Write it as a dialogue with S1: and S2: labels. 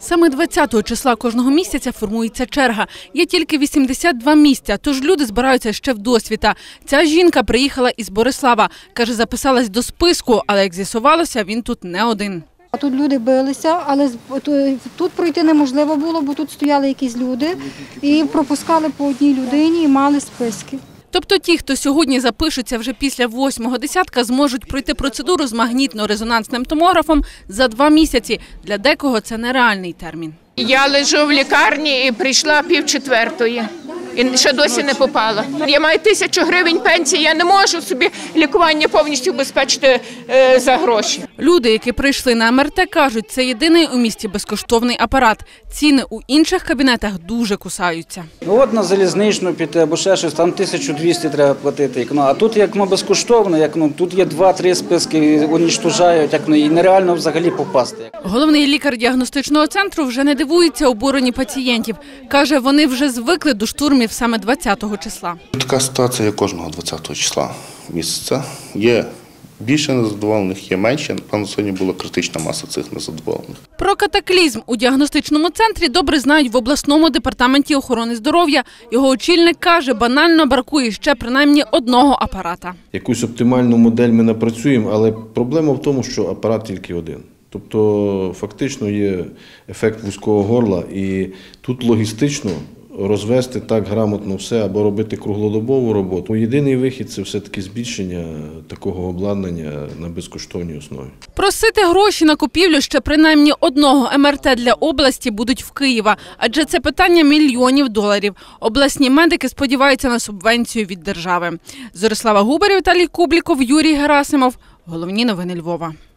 S1: Саме 20-го числа кожного місяця формується черга. Є тільки 82 місця, тож люди збираються ще вдосвіта. Ця жінка приїхала із Борислава. Каже, записалась до списку, але, як з'ясувалося, він тут не один.
S2: Тут люди билися, але тут пройти неможливо було, бо тут стояли якісь люди і пропускали по одній людині і мали списки.
S1: Тобто ті, хто сьогодні запишуться вже після 8-го десятка, зможуть пройти процедуру з магнітно-резонансним томографом за 2 місяці. Для декого це нереальний термін.
S3: Я лежу в лікарні і прийшла 3:30. І ще досі не попала. Я маю 1000 гривень пенсії, я не можу собі лікування повністю обезпечити за гроші.
S1: Люди, які прийшли на МРТ, кажуть, це єдиний у місті безкоштовний апарат. Ціни у інших кабінетах дуже кусаються.
S4: От на залізничну піти або ще щось, там 1200 треба платити. А тут як безкоштовно, тут є 2-3 списки, унічтожають, і нереально взагалі попасти.
S1: Головний лікар діагностичного центру вже не дивується обуренню пацієнтів. Каже, вони вже звикли до штурмів саме 20-го числа.
S5: Така ситуація є кожного 20-го числа місяця. Є більше незадоволених, є менше. Напевно, сьогодні була критична маса цих незадоволених.
S1: Про катаклізм у діагностичному центрі добре знають в обласному департаменті охорони здоров'я. Його очільник каже, банально бракує ще принаймні одного апарата.
S6: Якусь оптимальну модель ми напрацюємо, але проблема в тому, що апарат тільки один. Тобто фактично є ефект вузького горла і тут логістично розвести так грамотно все або робити круглодобову роботу. Єдиний вихід – це все-таки збільшення такого обладнання на безкоштовній основі.
S1: Просити гроші на купівлю ще принаймні одного МРТ для області будуть в Києва, адже це питання мільйонів доларів. Обласні медики сподіваються на субвенцію від держави. Зорислава Губарєв, Віталій Кубліков, Юрій Герасимов. Головні новини Львова.